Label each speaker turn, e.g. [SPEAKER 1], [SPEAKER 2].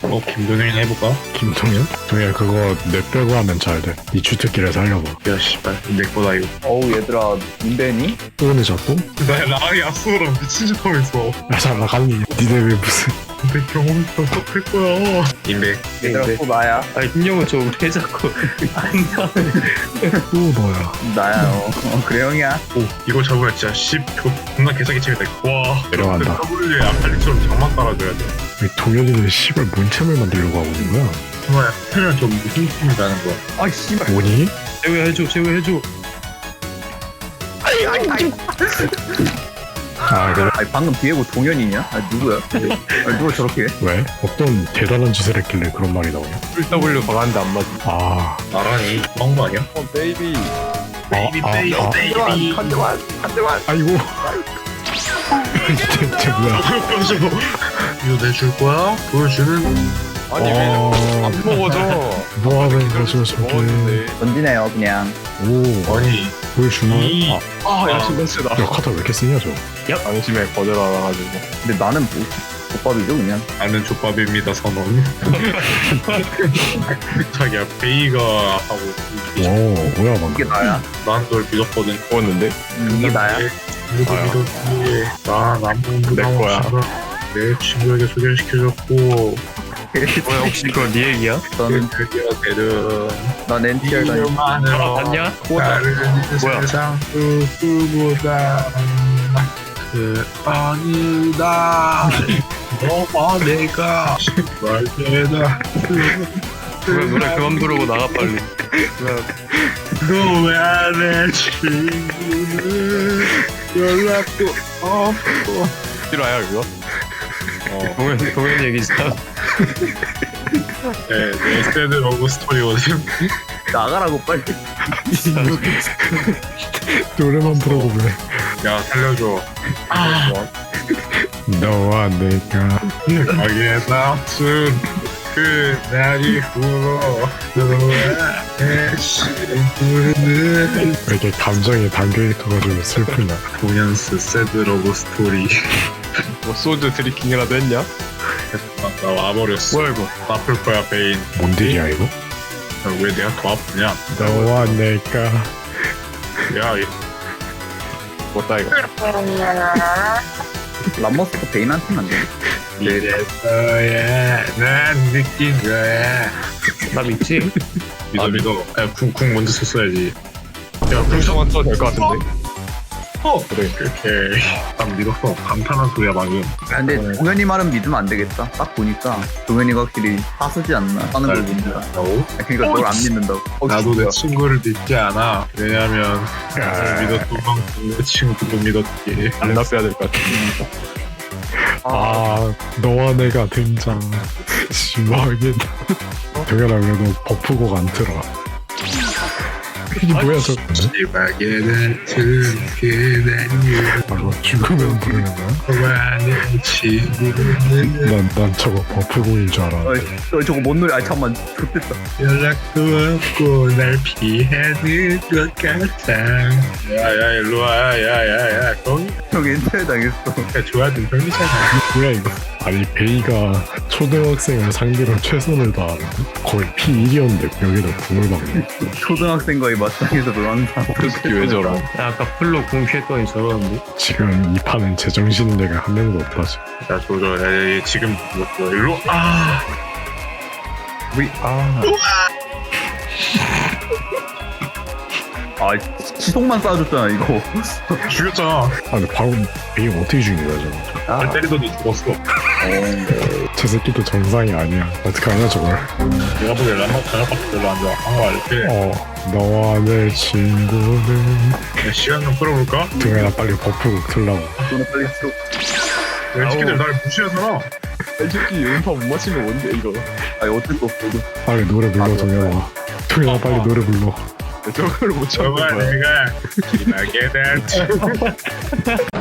[SPEAKER 1] 김동현이나 해볼까?
[SPEAKER 2] 김동현? 동현 그거 내 빼고 하면 잘돼. 이 주특기를 살려봐.
[SPEAKER 1] 야 씨발 내 거다 이거.
[SPEAKER 3] 어우 얘들아 인벤이?
[SPEAKER 2] 오늘 자꾸?
[SPEAKER 1] 나 라이 야스랑 미친 척 하고 있어.
[SPEAKER 2] 야 잘 나가니 니네 왜 무슨
[SPEAKER 1] 내 경험이 어떡할 거야. 인베.
[SPEAKER 3] 얘들아 또 나야.
[SPEAKER 4] 아니 김영은 저왜 자꾸 안
[SPEAKER 2] 또 너야.
[SPEAKER 3] 나야 그래 형이야.
[SPEAKER 1] 오 이거 잡으면 진짜 존나 개사기 치겠다. 와
[SPEAKER 2] 내려간다.
[SPEAKER 1] W에 아칼리처럼 장막 깔아줘야 돼.
[SPEAKER 2] 왜 동현이는 씨발 문챔을 만들려고 하고 있는 거야?
[SPEAKER 1] 정말 하면 좀 무슨 팀이라는 거야.
[SPEAKER 3] 아 씨발.
[SPEAKER 2] 뭐니?
[SPEAKER 4] 제외해줘 제외해줘.
[SPEAKER 2] 아 그래?
[SPEAKER 3] 아니 방금 디에고 동현이냐? 아 누구야? 아니 누가 저렇게 해?
[SPEAKER 2] 왜? 어떤 대단한 짓을 했길래 그런 말이 나오냐?
[SPEAKER 4] W 박았는데 안 맞아.
[SPEAKER 2] 아
[SPEAKER 1] 나란히 한 거 아니야?
[SPEAKER 3] 베이비.
[SPEAKER 1] 베이비 베이비 베이비.
[SPEAKER 3] 한대만.
[SPEAKER 2] 아이고 대체 뭐야?
[SPEAKER 1] 이거 내줄 거야? 보여주는.
[SPEAKER 4] 아니 왜안 먹어져?
[SPEAKER 2] 뭐하는 거죠 저게?
[SPEAKER 4] 먹었는데.
[SPEAKER 3] 던지네요 그냥.
[SPEAKER 2] 오
[SPEAKER 1] 아니
[SPEAKER 2] 보여주나?
[SPEAKER 1] 이
[SPEAKER 4] 아 야심했어 나.
[SPEAKER 2] 야 카타 왜 이렇게 쓰냐 저?
[SPEAKER 4] 양심에 거절하가지고.
[SPEAKER 3] 근데 나는 뭐 족밥이죠 그냥.
[SPEAKER 1] 나는 족밥입니다 선언. 자기야 베이가 하고
[SPEAKER 2] 오 뭐야 방금?
[SPEAKER 3] 이게 나야.
[SPEAKER 1] 난 널 믿었거든.
[SPEAKER 4] 먹었는데?
[SPEAKER 3] 이게 나야.
[SPEAKER 1] 누구
[SPEAKER 4] 나야.
[SPEAKER 1] 믿었지? 난 아무
[SPEAKER 4] 내 거야.
[SPEAKER 1] 내 친구에게 소개를 시켜줬고
[SPEAKER 4] 뭐야 혹시 그거 네 얘기야?
[SPEAKER 3] 저는
[SPEAKER 1] 드디어 되는
[SPEAKER 3] 난 NTR 다니.
[SPEAKER 1] 이름만으로
[SPEAKER 4] 봤냐?
[SPEAKER 1] 다른
[SPEAKER 4] 뭐야?
[SPEAKER 1] 세상 누구보다 그 아니다 너와 내가 말되다
[SPEAKER 4] 그냥 노래 그만 부르고 나가 빨리.
[SPEAKER 1] 너왜 내 친구는 연락도 없고
[SPEAKER 4] 실화야 그거? 동현 얘기잖아.
[SPEAKER 1] 내 새드 러브 스토리거든.
[SPEAKER 3] 나가라고 빨리.
[SPEAKER 2] 노래만 부르고 왜?
[SPEAKER 1] 야 살려줘.
[SPEAKER 2] 너와 내가
[SPEAKER 1] 가게 다툰 그 날 이후로 너와 내 친구는
[SPEAKER 2] 왜 이렇게 감정이 담겨있어가지고 슬프냐?
[SPEAKER 1] 동현스 새드 러브 스토리.
[SPEAKER 4] 뭐 소주 드리킹이라도 했냐?
[SPEAKER 1] 나 와버렸어.
[SPEAKER 4] 뭐야 이거?
[SPEAKER 1] 아플 거야 베인.
[SPEAKER 2] 뭔 일이야 이거?
[SPEAKER 1] 야, 왜 내가 더 아프냐?
[SPEAKER 2] 너와 내가
[SPEAKER 1] 야
[SPEAKER 4] 뭐다 이거?
[SPEAKER 3] 람머스가 베인한테는 안 돼.
[SPEAKER 1] 이래서야 난 느낀 거야.
[SPEAKER 4] 나 믿지?
[SPEAKER 1] 믿어. 야, 궁 먼저 썼어야지. 야, 궁 써.
[SPEAKER 4] 형은 써도 될 것 같은데.
[SPEAKER 1] 그래. 오케이. 난 믿었어. 감탄한 소리야 방금.
[SPEAKER 3] 아, 근데 동현이 말은 믿으면 안 되겠다. 딱 보니까 동현이가 확실히 하수지 않나 하는 걸 보니까. 그러니까 널 안 믿는다고.
[SPEAKER 1] 나도 내 친구를 믿지 않아. 왜냐면 나를 믿었던 만큼 내 친구도 믿었지.
[SPEAKER 4] 안 놨어야 될 것 같아.
[SPEAKER 2] 아 너와 내가 등장. 심하겠다. 동현아 왜 너 버프곡 안 틀어? 이게 뭐야 저?
[SPEAKER 1] 시박에 같은 그대는
[SPEAKER 2] 바로 죽으면 부르는 거야?
[SPEAKER 1] 너와 내 친구는
[SPEAKER 2] 난 저거 버프곡인 줄 알았는데.
[SPEAKER 3] 저거 뭔 노래? 아 잠만 좋겠다.
[SPEAKER 1] 연락도 없고 날 피하는 것 같아. 야야 일로와. 야야야 거기
[SPEAKER 3] 형 엔터에 당했어.
[SPEAKER 1] 좋아하는 형이잖아.
[SPEAKER 2] 뭐야 이거? 아니 베이가 초등학생을 상대로 최선을 다하는데 거의 P1이었는데 여기다 궁을 박네.
[SPEAKER 3] 초등학생과의 맞짱에서 노는 사람.
[SPEAKER 4] 그 새끼 왜 저러? 야, 아까 풀로 궁 피했더니 저러는데?
[SPEAKER 2] 지금 이 판은 제정신인 애가 한 명도 없다 지금.
[SPEAKER 1] 야 조져. 야 지금 뭐 일로 아.
[SPEAKER 4] 우리
[SPEAKER 3] 아 시속만 쏴줬잖아 이거.
[SPEAKER 1] 죽였잖아.
[SPEAKER 2] 아 근데 방금 베이 어떻게 죽인 거야 저거?
[SPEAKER 1] 날 때리더니 죽었어.
[SPEAKER 2] 저 새끼도 정상이 아니야. 어떡하냐 저걸.
[SPEAKER 1] 내가 보기에 람마 저녁밖에 별로 안 좋아. 한거 알지?
[SPEAKER 2] 너와 내 친구는
[SPEAKER 1] 야, 시간 좀 끌어볼까?
[SPEAKER 2] 등에나 빨리 버프곡 틀라고.
[SPEAKER 3] 너는 빨리 쏘.
[SPEAKER 1] 야, 이 새끼들 날 무시하잖아.
[SPEAKER 4] 이 새끼 음파 못 맞힌 거 뭔데 이거?
[SPEAKER 3] 아니 어쩔 수 없어. 이거.
[SPEAKER 2] 빨리 노래 불러 동현아. 동현아 빨리 노래 불러.
[SPEAKER 4] 저걸 못 참는
[SPEAKER 1] 너와
[SPEAKER 4] 거야.
[SPEAKER 1] 내가 기나게 될